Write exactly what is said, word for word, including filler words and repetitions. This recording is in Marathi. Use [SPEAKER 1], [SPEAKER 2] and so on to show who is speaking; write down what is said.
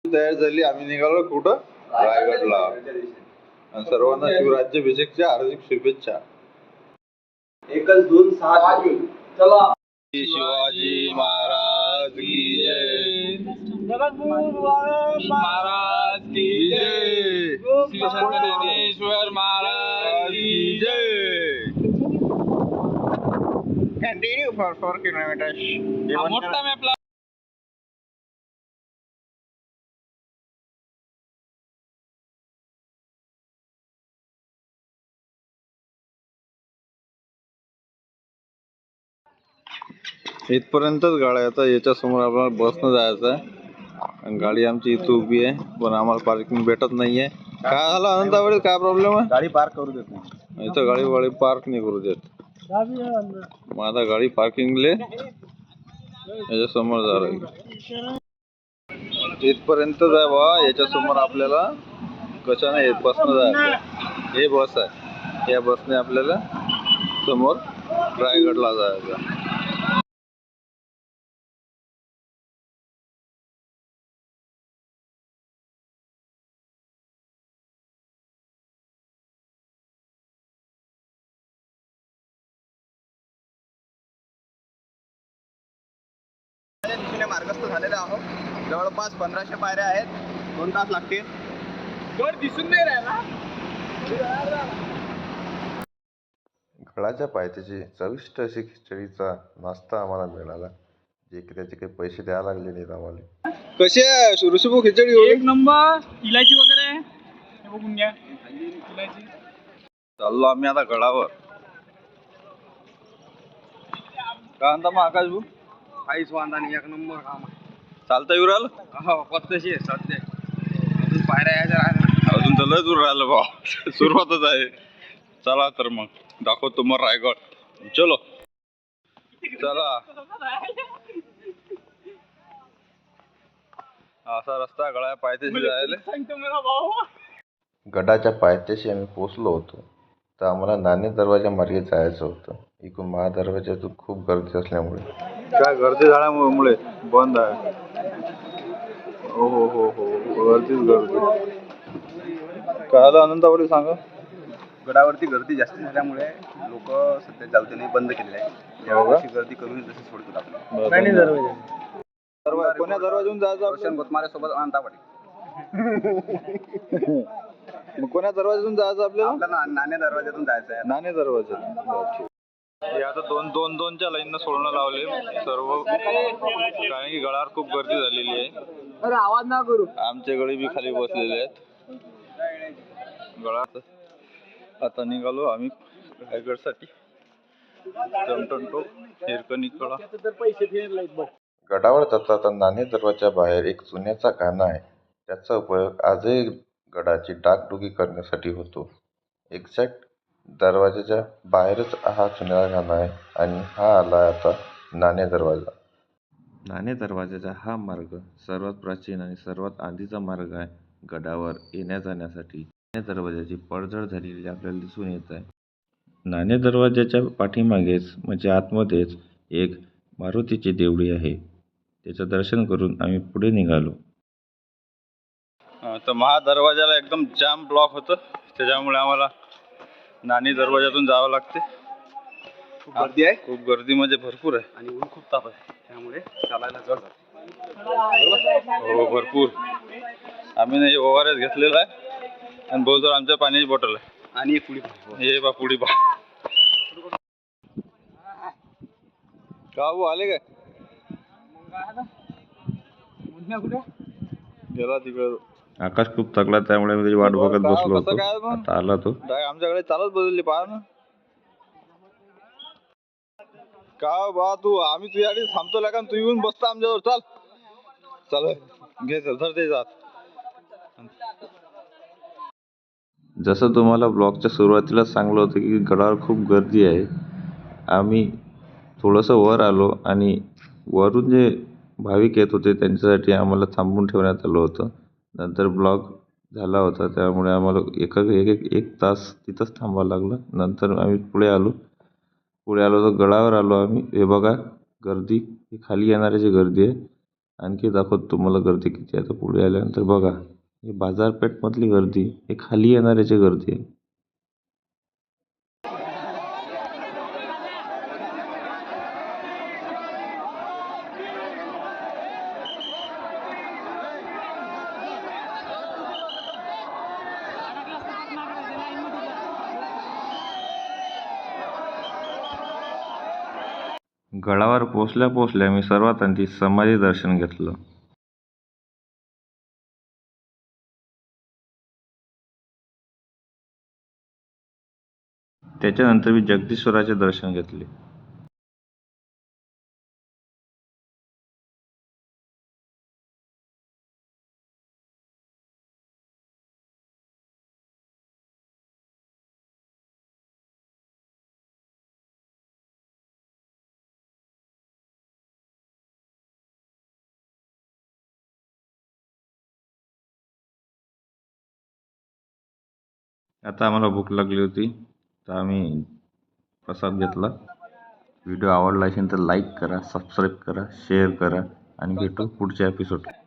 [SPEAKER 1] तयार झाली. आम्ही निघालो कुठं? रायगडला. आणि सर्वांना शिवराज्याभिषेकच्या हार्दिक शुभेच्छा.
[SPEAKER 2] एकच दोन सहा चला.
[SPEAKER 1] शिवाजी महाराज की जय. महाराज की जय. ज्ञानेश्वर महाराज की जय. Continue for four kilometre. मोठा मॅप. इथपर्यंतच गाड्या. आता याच्या समोर आपल्याला बसनं जायचं आहे. गाडी आमची इथं उभी आहे, पण आम्हाला पार्किंग भेटत नाहीये. काय झालं अनंतावडी? काय प्रॉब्लेम आहे?
[SPEAKER 2] गाडी पार्क करू देत नाही.
[SPEAKER 1] इथं गाडी वाडी पार्क नाही करू देत. मग आता गाडी पार्किंगले याच्या समोर जा. इथपर्यंतच आहे बा. याच्या समोर आपल्याला कशाने बसनं जायचं. हे बस आहे. या बसने आपल्याला समोर रायगडला जायचं.
[SPEAKER 2] दिशेने मार्गस्थ झालेले आहोत. जवळपास पंधराशे पायऱ्या आहेत. दोन तास लागतील. वर दिसून नाही राहिला.
[SPEAKER 1] गडाच्या पायथ्याची चविष्ट अशी खिचडीचा नाश्ता आम्हाला मिळाला, जे की त्याचे काही पैसे द्यायला लागले नाहीत आम्हाला. कशी आहे ऋषभू खिचडी?
[SPEAKER 3] एक नंबर. इलायची वगैरे हे बघून घ्या. इलायची.
[SPEAKER 1] चाललो आम्ही आता गडावर. काय म्हणता मग आकाश भाऊ?
[SPEAKER 2] काहीच वांदा नाही. एक नंबर काम आहे.
[SPEAKER 1] चालता येऊ राहिलं?
[SPEAKER 2] हो पत्तशी आहे सध्या. अजून पायऱ्या यायच्या राहिल्या.
[SPEAKER 1] अजून तर लय दूर राहिलं बा. सुरुवातच आहे. चला तर मग दाखवतो मग रायगड. चलो चला. असा रस्ता गडाच्या पायथ्याशी जायला. गडाच्या पायथ्याशी आम्ही पोचलो होतो, तर आम्हाला नाणे दरवाजा मार्गे जायचं होतं. इकडून महादरवाज्यातून खूप गर्दी असल्यामुळे, काय गर्दी झाल्यामुळे बंद आहे. हो हो हो हो गर्दीच गर्दी. काय आलं अनंतावडी सांगा.
[SPEAKER 2] गडावरती गर्दी जास्त झाल्यामुळे लोक सध्या जाऊ नाही, बंद केलेले आहे. यावर्षी गर्दी कमी जशी सोडतो आपण.
[SPEAKER 1] दरवाजा कोण्या दरवाजातून जायचं?
[SPEAKER 2] रोशन गोतमारे सोबत अनंतावाडी.
[SPEAKER 1] मग कोण्या दरवाजातून जायचं आपल्याला?
[SPEAKER 2] आपल्याला नाणे दरवाजातून जायचं आहे.
[SPEAKER 1] नाणे दरवाजातून. हे आता दोन दोन दोनच्या लाईननं सोडणं लावले सर्व, कारण की गडावर खूप गर्दी झालेली आहे.
[SPEAKER 3] अरे आवाज ना करू.
[SPEAKER 1] आमचे गडी बी खाली बसलेले आहेत. गडात आता निघालो आम्ही रायगडसाठी. जमटंटो हिरकणीकडा. गडावर जाता नाणे दरवाजा बाहेर एक चुन्याचा गाणा आहे. त्याचा उपयोग आजही गडाची डागडुगी करण्यासाठी होतो. एक्झॅक्ट दरवाजाच्या बाहेरच हा चुन्याचा गाणा आहे. आणि हा आला आता नाणे दरवाजा. नाणे दरवाजाचा हा मार्ग सर्वात प्राचीन आणि सर्वात आधीचा मार्ग आहे गडावर येण्या जाण्यासाठी. नाणे दरवाजाची पडझड झालेली आपल्याला दिसून येत आहे. नाणे दरवाजाच्या पाठीमागेच म्हणजे आतमध्येच एक मारुतीची देवळी आहे. त्याचं दर्शन करून आम्ही पुढे निघालो. तर महादरवाजाला एकदम जाम ब्लॉक होतं, त्याच्यामुळे आम्हाला नाणे दरवाजातून जावं लागते.
[SPEAKER 2] खूप गर्दी आहे.
[SPEAKER 1] खूप गर्दी म्हणजे भरपूर आहे.
[SPEAKER 2] आणि ऊन खूप ताप आहे, त्यामुळे चालायला जड जातं.
[SPEAKER 1] हो भरपूर. आम्ही नाही ओ आर एस घेतलेला आहे आणि बहुत आमच्या पाण्याची बॉटल आहे.
[SPEAKER 2] आणि एक पुढी
[SPEAKER 1] हे बा पुढी बा. का भाऊ आले काय? गेला तिकडे. आकाश खूप थकला, त्यामुळे मी त्याची वाट बघत बसलो होतो. आता आला तो. आमच्याकडे चालत बदलली पहा ना. का बा तू, आम्ही तुझ्यासाठी थांबतो का? तू येऊन बसता आमच्यावर. चाल चल घे धर ते जात. जसं तुम्हाला ब्लॉगच्या सुरुवातीला सांगलं होतं की गडावर खूप गर्दी आहे. आम्ही थोडंसं वर आलो आणि वरून जे भाविक येत होते त्यांच्यासाठी आम्हाला थांबून ठेवण्यात आलं होतं. नंतर ब्लॉग झाला होता, त्यामुळे आम्हाला एक एक एक तास तिथंच थांबावं लागलं. नंतर आम्ही पुढे आलो. पुढे आलो तर गडावर आलो आम्ही. हे बघा गर्दी, ही खाली येणाऱ्याची गर्दी आहे. आणखी दाखवतो तुम्हाला गर्दी किती आहे. आता पुढे आल्यानंतर बघा, ही बाजारपेठमधली गर्दी, हे खाली येणाऱ्याची गर्दी आहे. गडावर पोचल्या पोचल्या मी सर्वात आधी समाधी दर्शन घेतलं. त्याच्यानंतर मी जगदीश्वराचे दर्शन घेतले. आता आम्हाला भूक लागली होती, तर आम्ही प्रसाद घेतला. व्हिडिओ आवडला असेल तर लाईक करा, सबस्क्राईब करा, शेअर करा आणि भेटू पुढच्या एपिसोड.